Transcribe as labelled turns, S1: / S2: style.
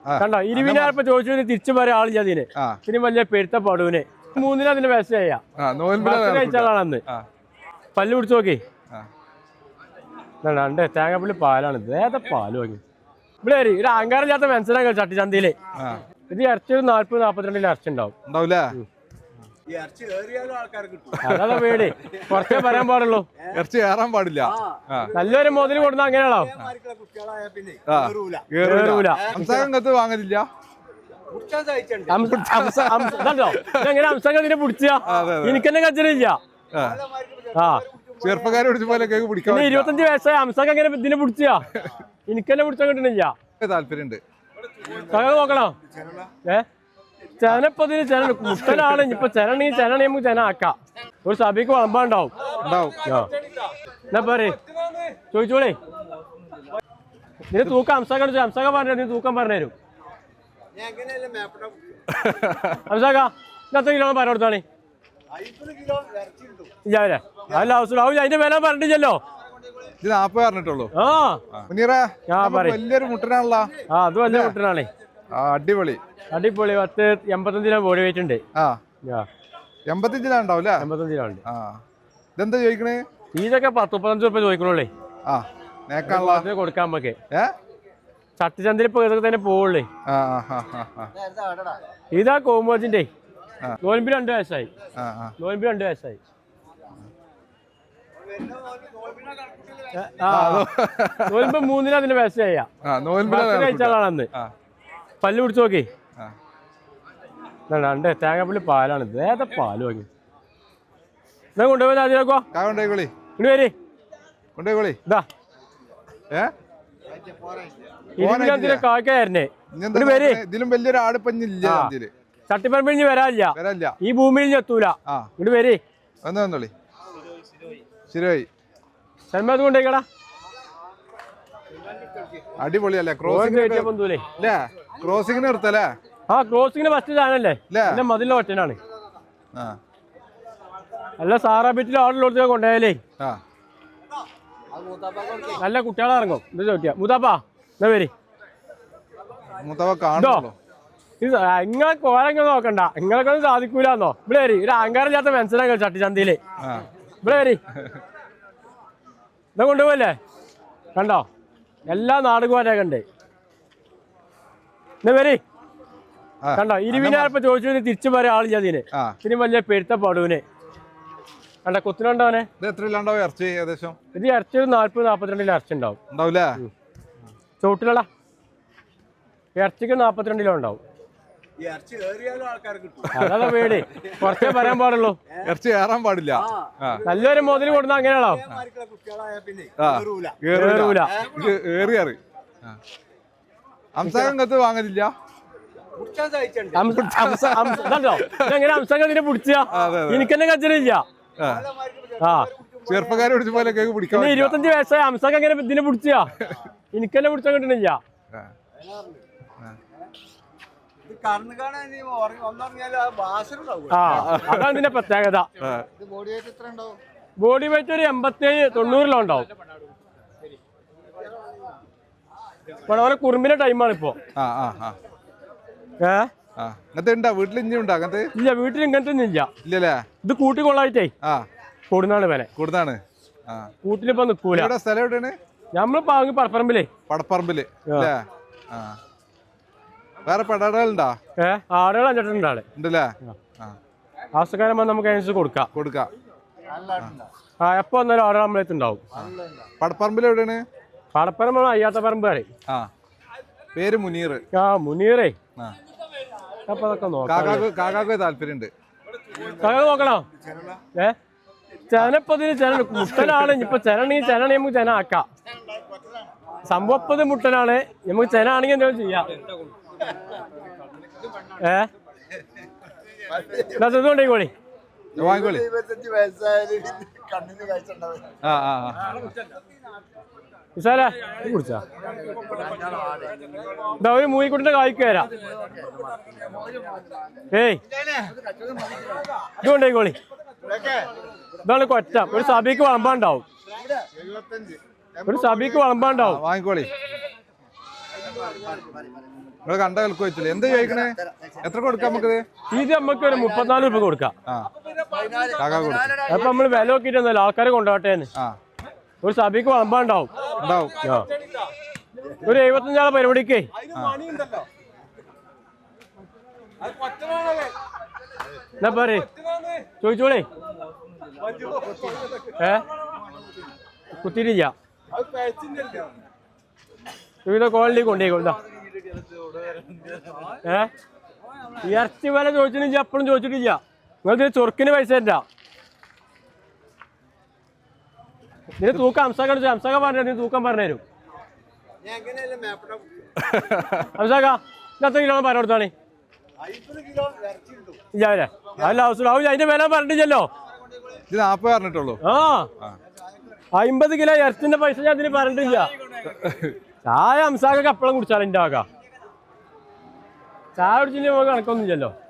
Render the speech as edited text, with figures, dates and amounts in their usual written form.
S1: കണ്ടോ 20,000 ചോദിച്ചു തിരിച്ചു പറയാൻ ആളില്ല അതിന്. ഇത്തിരി വലിയ പെരുത്ത പടുവിന് 3 അതിന്റെ വിഷയ കഴിച്ചാളാണെന്ന് പല്ല് പിടിച്ചു നോക്കി. രണ്ട് തേങ്ങാപ്പള്ളി പാലാണ്. ഏതാ പാല് വാങ്ങി ഇവിടെ ഒരു അഹങ്കാരം ഇല്ലാത്ത മനസ്സിലാക്കാം. ചട്ടിച്ചന്തയില് ഇത് ഇറച്ചി 40-42 ഇറച്ചി ഉണ്ടാവും. അതാ പേടി. കുറച്ചേ പറയാൻ പാടുള്ളൂ.
S2: ഇറച്ചി കയറാൻ പാടില്ല.
S1: നല്ലൊരു മുതൽ കൊടുന്ന അങ്ങനെയാണോ?
S2: വാങ്ങലില്ല.
S1: എങ്ങനെ അംസംഗത്തിനെ പിടിച്ചാ എനിക്കെന്നെ കച്ചറില്ല.
S2: ചെറുപ്പക്കാരെ പിടിച്ച പോലെ
S1: 25 വയസ്സായ അംസംഗം എങ്ങനെ ഇതിനെ പിടിച്ചാ എനിക്കെന്നെ പിടിച്ചാൽ കിട്ടണില്ല.
S2: താല്പര്യമുണ്ട്.
S1: നോക്കണോ? ചെനപ്പതിന് ചെന മുട്ടനാണ്. ഇപ്പൊ ചെനണെങ്കിൽ ചെനണി നമുക്ക് ചെന ആക്കാം. ഒരു സഭയ്ക്ക് വളമ്പാണ്ടാവും. എന്നാ പറയേ ചോദിച്ചോളേ. നീ തൂക്കം അംസക പറഞ്ഞു. നീ തൂക്കം പറഞ്ഞുതരും. അംസക എത്ര കിലോ പറഞ്ഞു കൊടുത്താണ്? ഇല്ലേ അല്ല ആവശ്യം അതിന്റെ വില പറഞ്ഞില്ലല്ലോ.
S2: 40 പറഞ്ഞിട്ടുള്ളൂ. വലിയൊരു മുട്ടനാണല്ലോ.
S1: അത് വലിയ മുട്ടനാണേ.
S2: അടിപൊളി
S1: 85 ബോഡി വെയിറ്റ് ഉണ്ട്.
S2: 85 ഉണ്ടാവും.
S1: 85
S2: ഇതെന്താ ചോദിക്കണേ?
S1: ഇതൊക്കെ 10-35 രൂപ ചോദിക്കണുള്ളേ. കൊടുക്കാൻ നമുക്ക് ചട്ടിച്ചന്തയിൽ ഇപ്പൊ ഇതൊക്കെ തന്നെ പോവുള്ളേ. ഇതാ കോമോജിന്റെ നോൻപി 2 വയസ്സായി. നോൻപി 2 വയസ്സായി. നോൻപ് 3 അതിന്റെ വയസ്സായ കഴിച്ചാളാണെന്ന് പല്ല് പിടിച്ചു നോക്കി. രണ്ട് തേങ്ങാപ്പള്ളി പാലാണ്. ഏതാ പാല് വാങ്ങി കൊണ്ടുപോയി അതിലേക്കോ വരി. ഇതാ കാക്കായിരുന്നേ.
S2: ഇതിലും വലിയൊരു ആടുപ്പഞ്ഞില്ല.
S1: ചട്ടിപ്പറമ്പിഞ്ഞ് വരാനില്ല. ഈ ഭൂമിയിൽ എത്തൂല. ഇങ്ങോട്ട് വരി.
S2: ശരിയായി.
S1: സൽമാത് കൊണ്ടേക്കടാ.
S2: അടിപൊളിയല്ലേ? ക്രോസിംഗിന് നിർത്തല്ലേ?
S1: ക്രോസിംഗിന് ഫസ്റ്റ് ചാനല്ലേ? മതിലെ ഒറ്റനാണ്. നല്ല സാറാബിറ്റിൽ ആളുള്ള കൊണ്ടുപോയാലേ നല്ല കുട്ടികളെ ഇറങ്ങും. ഇത് ചോദിക്കാം മൂത്താപ്പാ എന്നാ വരി. ഇങ്ങളെ കോരങ്ങൾ നോക്കണ്ട. ഇങ്ങളൊക്കെ ഒന്നും സാധിക്കൂലെന്നോ. ഇവിടെ വരി. ഒരു അഹങ്കാരം ഇല്ലാത്ത മനസ്സിലാക്കാം. ചട്ടിച്ചന്തയില് ഇവിടെ വരി. ഇതാ കൊണ്ടുപോകല്ലേ? കണ്ടോ എല്ലാ നാടുകാരൊക്കെ ഉണ്ട്. എന്നാ വരി. കണ്ടോ 20,000 ചോദിച്ചു തിരിച്ചു പറയാൻ ആളില്ല അതിന്. ഇത്തിരി വലിയ പെരുത്ത പടുവിന് കണ്ട കുത്തിനുണ്ടോനെ. ഇത് ഇറച്ചി 40-42 ഇറച്ചി ഉണ്ടാവും. ചോട്ടിലടാ ഇറച്ചിക്ക് 42 കിലോ ഉണ്ടാവും. അതാ പേടി. കുറച്ചേ പറയാൻ പാടുള്ളൂ.
S2: ഇറച്ചി കയറാൻ പാടില്ല.
S1: നല്ലൊരു മുതൽ കൊടുന്ന അങ്ങനെയാണോ?
S2: അംസകത്ത് വാങ്ങലില്ല.
S1: എങ്ങനെ അംസകത്തിനെ പിടിച്ചാ എനിക്കെന്നെ കച്ചറില്ല.
S2: ചെറുപ്പക്കാരെ പിടിച്ച പോലെ
S1: 25 വയസ്സായ അംസക എങ്ങനെ ഇതിനെ പിടിച്ചാ എനിക്കെന്നെ പിടിച്ചാൽ കിട്ടണില്ല. അതാണ് ഇതിന്റെ പ്രത്യേകത. ബോഡി വെയിറ്റ് ഒരു 87-90 ഉണ്ടാവും. ഇവിടെ കുറുമ്പിന്റെ ടൈമാണ് ഇപ്പൊ.
S2: വീട്ടിൽ
S1: ഇല്ല. വീട്ടിൽ ഇങ്ങനത്തെ ഒന്നും ഇല്ല. ഇത് കൂട്ടിക്കൊള്ളായിട്ടേ കൊടുന്നാണ് വില. കൂട്ടിലിപ്പോ നിക്കൂല. നമ്മള് പാങ്ങി പടപ്പറമ്പില്.
S2: വേറെ പെടാടുകളുണ്ടാ?
S1: ആടുകൾ 5 ഉണ്ടല്ലേ. ആവശ്യക്കാരൻ നമുക്ക് അതിനനുസരിച്ച് കൊടുക്കാം. എപ്പോ വന്നാലും ആടുകൾ നമ്മളെടുത്ത് ഉണ്ടാവും.
S2: പടപ്പറമ്പിൽ എവിടെയാണ്?
S1: പടപ്പറമ്പ് അയ്യാത്ത പറമ്പ് പറയും.
S2: പേര് മുനീർ.
S1: മുനീറേ. അപ്പൊ അതൊക്കെ
S2: കാക്കാക്ക് താല്പര്യമുണ്ട്.
S1: നോക്കണോ? ചെനപ്പതിന് ചെന മുട്ടനാണ്. ഇപ്പൊ ചെനണെങ്കിൽ ചെനണി നമുക്ക് ചെന ആക്കാം. സംഭവപ്പത് മുട്ടനാണ്. നമുക്ക് ചെന ആണെങ്കിൽ എന്തെങ്കിലും ചെയ്യാം. ഇതുകൊണ്ടേക്കോളി. കുടിച്ചാ ഒരു മൂയിക്കുട്ടിന്റെ കായ്ക്ക് വരാം. ഇതുകൊണ്ടേക്കോളി. ഇതാണ് കൊറ്റ. ഒരു സഭയ്ക്ക് വളമ്പാണ്ടാവും. വാങ്ങിക്കോളി.
S2: നിങ്ങൾ കണ്ട വിലക്ക് വെച്ചില്ലേ എന്താ ചോദിക്കണേ? എത്ര കൊടുക്കാം നമുക്ക്?
S1: ഇത് നമുക്ക് ഒരു 34 രൂപ കൊടുക്കാം.
S2: ആ കാക്ക കൊടുക്കും.
S1: അപ്പൊ നമ്മള് വില നോക്കിയിട്ടൊന്നുമല്ല, ആൾക്കാരെ കൊണ്ടുപോട്ടെ.
S2: ആ
S1: ഒരു സഭയ്ക്ക് വളമ്പാണ്ടാവും.
S2: ഉണ്ടാവും.
S1: ഒരു 75 പരിപാടിക്കേ എന്നാ പറ ചോദിച്ചോളേ. കുത്തിരില്ല ക്വാളിറ്റി കൊണ്ടേക്കൊണ്ടാ. ഇറച്ചി വില ചോദിച്ചിട്ടില്ല, എപ്പോഴും ചോദിച്ചിട്ടില്ല. നിങ്ങൾക്ക് ചൊറുക്കിന് പൈസ തരാ. നിന്റെ തൂക്കം അംസാക്ക പറഞ്ഞു, നീ തൂക്കം പറഞ്ഞുതരും. അംസാക്ക എത്ര കിലോ പറഞ്ഞു കൊടുത്താണ്? ഇല്ല അല്ല ആവശ്യമില്ല, അതിന്റെ വില പറഞ്ഞിട്ടില്ലല്ലോ.
S2: ഇത് 40 പറഞ്ഞിട്ടുള്ളൂ.
S1: ആ 50 കിലോ ഇറച്ചിന്റെ പൈസ ഞാൻ അതിന് പറഞ്ഞിട്ടില്ല. ചായ അംസാക്കൊക്കെ എപ്പോഴും കുടിച്ചാലും എന്റെ ആകാ. ചായ കുടിച്ചിട്ട് കണക്കൊന്നും ഇല്ലല്ലോ.